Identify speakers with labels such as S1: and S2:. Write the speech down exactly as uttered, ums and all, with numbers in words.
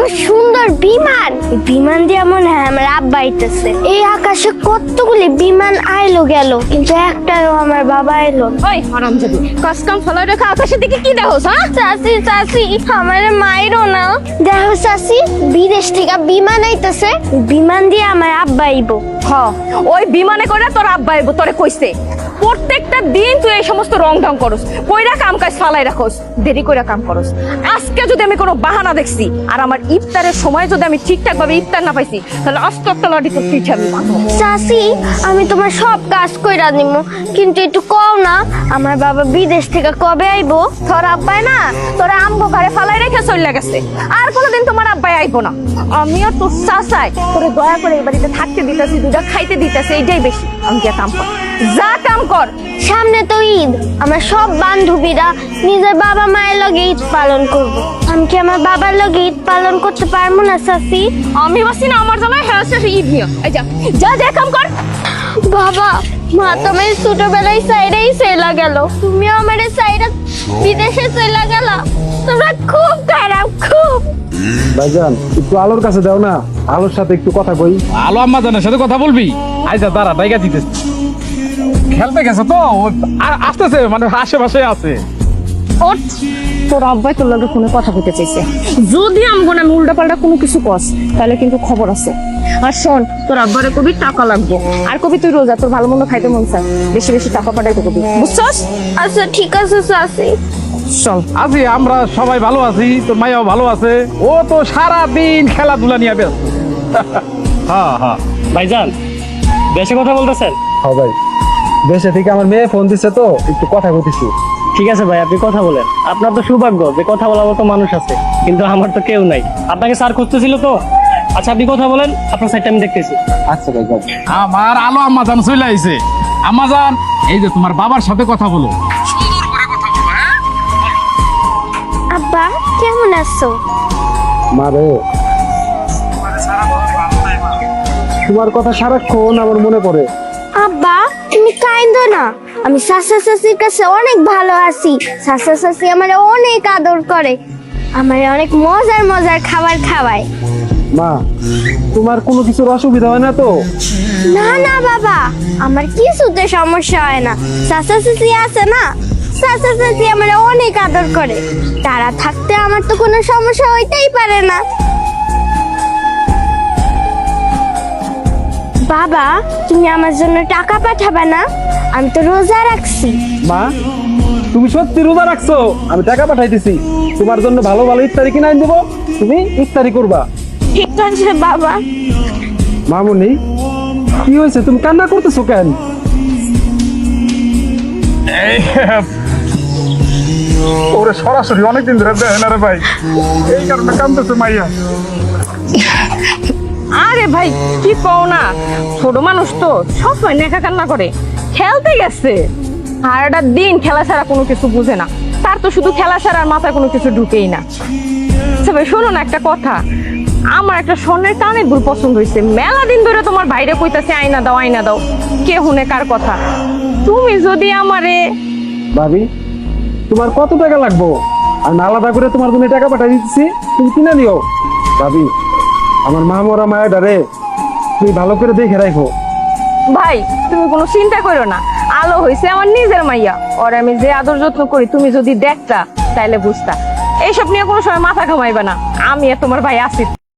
S1: সুন্দর বিমান, বিমান দিয়ে মনে হয় আমার আব্বা আইতেছে। এই আকাশে কতগুলি বিমান আইলো গেল, কিন্তু একটাও আমার বাবা এলো না।
S2: ওই হারামজাদি, কাজকাম ফেলে রেখে আকাশের দিকে কি দেখোস? হ্যাঁ
S1: চাচি চাচি আমার মাইরো না। দেখো চাচি, বিদেশ থেকে বিমান আইতেছে, বিমান দিয়ে আমার আব্বা আইবো।
S2: হ, ওই বিমানে করে তোর আব্বা আইবো, তোরে কইছে। প্রত্যেকটা দিন তুই এই সমস্ত রং ঢং করস, কইরা কাম কাজ ফালাই রাখোস, দেরি কইরা কাম করস। আজকে যদি আমি কোনো বাহানা দেখছি আর আমার ইফতারের সময় যদি আমি ঠিকঠাক ভাবে ইফতার না পাইছি, তাহলে আস্তে আস্তে লাঠি তোর পিঠে আমি মারবো।
S1: চাচি আমি তোমার সব কাজ কইরা নিমু, কিন্তু একটু কও না আমার বাবা বিদেশ থেকে কবে আইবো?
S2: তোর আব্বাই না তোরা আমগো ঘরে ফালাই রেখে চলে গেছে, আর কোনোদিন তোমার আব্বাই আইবো না। আমিও তোর চাচাই তোরে দয়া করে এই বাড়িতে থাকতে দিতেছি, দুটা খাইতে দিতেছি, এইটাই বেশি। আমি যা কাম কর, যা কাম কর।
S1: সামনে তো ঈদ, আমরা সব বান্ধবীরা নিজের বাবা মায়ের লগে ঈদ পালন করব। আমি কি আমার বাবার লগে ঈদ পালন করতে পারবো না চাচি?
S2: আমি বাসি না আমার জামাই হ্যাঁ ঈদ নিয়ে। এই যা যা যা কাম কর।
S1: বাবা মা তুমি ছোটবেলায় সাইডেই চলে গেল, তুমি আমার সাইডে বিদেশে চলে গেল, তোমরা খুব খারাপ খুব।
S3: ভাইজান একটু আলোর কাছে দাও না, আলোর সাথে একটু কথা কই।
S4: আলো আম্মা জানের সাথে কথা বলবি? আইসা দাঁড়া, ডাইগা দিতেছে, খেলতে গেছে তো, ও আর আসতেছে, মানে আশেপাশে আছে।
S2: ওঠ, তোর আব্বাই তোর লগে ফোনে কথা বলতে চাইছে। যদি আমগো না উল্টা পাল্টা কোনো কিছু কস, তাহলে কিন্তু খবর আছে। আর শোন, তোর আব্বারে কবি টাকা লাগবে, আর কবি তুই রোজা, তোর ভালো মন্দ খাইতে মন চায়, বেশি বেশি টাকা পাঠাইতে কবি, বুঝছস?
S1: আচ্ছা ঠিক আছে চাচি।
S4: চল আছি, আমরা সবাই ভালো আছি, তোর মাইয়াও ভালো আছে। ও তো সারা দিন খেলাধুলা নিয়ে ব্যস্ত। হ্যাঁ হ্যাঁ
S5: ভাইজান দেশে কথা বলতেছেন?
S3: হ্যাঁ ভাই, দেশে থেকে আমার মেয়ে ফোন দিছে তো একটু কথা বলতেছি।
S5: ঠিক আছে ভাই, আপনি কথা বলেন। আপনার তো সৌভাগ্য যে কথা বলার মতো মানুষ আছে, কিন্তু আমার তো কেউ নাই। আপনাকে স্যার খুঁজতেছিল তো। আচ্ছা আপনি কথা বলেন, আপনার সাইডটা আমি দেখতেছি।
S3: আচ্ছা ভাই যাও।
S4: আমার আলো আম্মা জান চলে আইছে। আম্মা জান, এই যে তোমার বাবার সাথে কথা বলো, সুন্দর করে কথা বলো। হ্যাঁ
S1: আব্বা কেমন আছো?
S3: মা রে, তোমার কথা সারাক্ষণ আমার মনে পড়ে।
S1: আব্বা তুমি কাইন্দো না, আমি চাচা চাচির কাছে অনেক ভালো আছি। চাচা চাচি আমার অনেক আদর করে, আমার অনেক মজার মজার খাবার খাওয়ায়।
S3: মা, তোমার কোনো কিছুর অসুবিধা হয় না তো?
S1: না না বাবা, আমার কিছুতে সমস্যা হয় না। চাচা চাচি আছে না, চাচা চাচি আমার অনেক আদর করে, তারা থাকতে আমার তো কোনো সমস্যা হইতেই পারে না। বাবা তুমি আমার জন্য টাকা পাঠাবে না? আমি তো রোজা রাখছি।
S3: মা, তুমি সত্যি রোজা রাখছো? আমি টাকা পাঠাইতেছি, তোমার জন্য ভালো ভালো ইফতারি কিনে দেবো, তুমি ইফতারি করবা।
S1: ঠিক আছে বাবা।
S3: মামুনি, কি হয়েছে, তুমি কান্না করতেছো কেন?
S4: ওরে সরাসরি অনেকদিন ধরে দেখে না রে ভাই, এই কারণে কান্দতেছে মাইয়া।
S2: আরে ভাই কি কও না, ছোট মানুষ তো সবসময় নেকা কান্না করে, খেলতে গেছে। সারাটা দিন খেলা ছাড়া কোনো কিছু বুঝে না, তার তো শুধু খেলা ছাড়া আর মাথায় কোনো কিছু ঢুকেই না। আচ্ছা ভাই শোনো না একটা কথা, আমার একটা স্বর্ণের কানের দুল পছন্দ হয়েছে, মেলা দিন ধরে তোমার বাইরে কইতাছে আয়না দাও আয়না দাও, কে হুনে কার কথা। তুমি যদি আমারে।
S3: ভাবি, তোমার কত টাকা লাগবো? আমি আলাদা করে তোমার জন্য টাকা পাঠাই দিচ্ছি, তুমি কিনে নিও। ভাবি, আমার মা মরা মায়ের ডারে তুমি ভালো করে দেখে রাখো।
S2: ভাই তুমি কোনো চিন্তা করো না, আলো হইছে আমার নিজের মাইয়া, ওর আমি যে আদর যত্ন করি তুমি যদি দেখতা তাইলে বুঝতা। এইসব নিয়ে কোনো সময় মাথা ঘামাইবা না, আমি আর তোমার ভাই আছি।